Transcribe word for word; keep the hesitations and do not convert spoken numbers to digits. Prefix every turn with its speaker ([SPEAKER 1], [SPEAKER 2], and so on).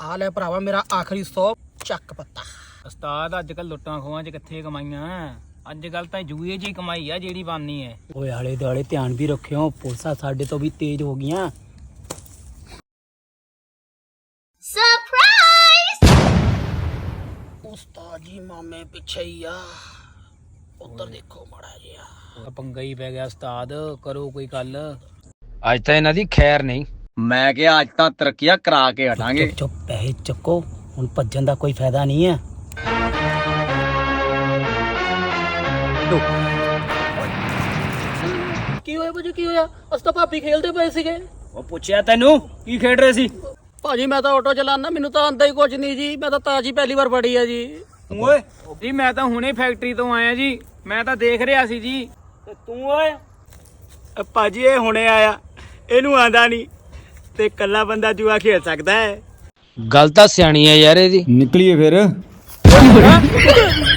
[SPEAKER 1] ਆ ਲੈ ਭਰਾਵਾ ਮੇਰਾ ਆਖਰੀ ਸੌ ਚੱਕ ਪੱਤਾ।
[SPEAKER 2] ਉਸਤਾਦ ਅੱਜ ਕੱਲ ਲੁੱਟਾਂ ਖੋਹਾਂ ਚ ਕਿੱਥੇ ਕਮਾਈਆਂ, ਅੱਜ ਕੱਲ ਤਾਂ ਜੂਏ ਜੀ ਕਮਾਈ ਆ ਜਿਹੜੀ ਬਾਨੀ ਹੈ।
[SPEAKER 1] ਓਏ ਆਲੇ ਦੁਆਲੇ ਧਿਆਨ ਵੀ ਰੱਖਿਓ, ਪੁਲਿਸਾਂ ਸਾਡੇ ਤੋਂ ਵੀ ਤੇਜ਼ ਹੋ ਗਈਆਂ।
[SPEAKER 3] ਸਰਪ੍ਰਾਈਜ਼!
[SPEAKER 1] ਉਸਤਾਦ ਜੀ ਮਾਮੇ ਪਿੱਛੇ ਹੀ ਆ, ਉੱਧਰ ਦੇਖੋ ਮਾੜਾ ਜਿਹਾ।
[SPEAKER 2] ਪੰਗਾ ਹੀ ਪੈ ਗਿਆ ਉਸਤਾਦ, ਕਰੋ ਕੋਈ ਗੱਲ।
[SPEAKER 4] ਅੱਜ ਤਾਂ ਇਹਨਾਂ ਦੀ ਖੈਰ ਨਹੀਂ।
[SPEAKER 5] ਮੈਂ ਕਿਹਾ ਅੱਜ ਤਾਂ ਤਰੱਕੀਆਂ ਕਰਾ ਕੇ ਹਟਾਂਗੇ।
[SPEAKER 1] ਚੁੱਪ ਚੁੱਪ ਪੈਸੇ ਚੱਕੋ, ਹੁਣ ਭੱਜਣ ਦਾ ਕੋਈ ਫਾਇਦਾ ਨਹੀਂ ਹੈ। ਕੀ ਹੋਇਆ ਭਾਜੀ, ਕੀ ਹੋਇਆ? ਅਸੀਂ ਤਾਂ ਭਾਬੀ ਖੇਲਦੇ ਪਏ ਸੀਗੇ।
[SPEAKER 2] ਉਹ ਪੁੱਛਿਆ ਤੈਨੂੰ ਕੀ ਖੇਡ ਰਹੇ ਸੀ?
[SPEAKER 1] ਭਾਜੀ ਮੈਂ ਤਾਂ ਆਟੋ ਚਲਾਉਣਾ, ਮੈਨੂੰ ਤਾਂ ਆਂਦਾ ਹੀ ਕੁਝ ਨਹੀਂ ਜੀ। ਮੈਂ ਤਾਂ ਤਾਜੀ ਪਹਿਲੀ ਵਾਰ ਫੜੀ ਆ ਜੀ।
[SPEAKER 2] ਓਏ ਜੀ ਮੈਂ ਤਾਂ ਹੁਣੇ ਫੈਕਟਰੀ ਤੋਂ ਆਇਆ ਜੀ, ਮੈਂ ਤਾਂ ਦੇਖ ਰਿਹਾ ਸੀ ਜੀ। ਤੇ ਤੂੰ ਓਏ?
[SPEAKER 5] ਭਾਜੀ ਇਹ ਹੁਣੇ ਆਇਆ, ਇਹਨੂੰ ਆਂਦਾ ਨਹੀਂ ਤੇ ਕੱਲਾ ਬੰਦਾ ਜੂਆ ਖੇਡ ਸਕਦਾ ਹੈ।
[SPEAKER 4] ਗੱਲ ਤਾਂ ਸਿਆਣੀ ਹੈ ਯਾਰ ਇਹਦੀ।
[SPEAKER 5] ਨਿਕਲੀਏ ਫਿਰ।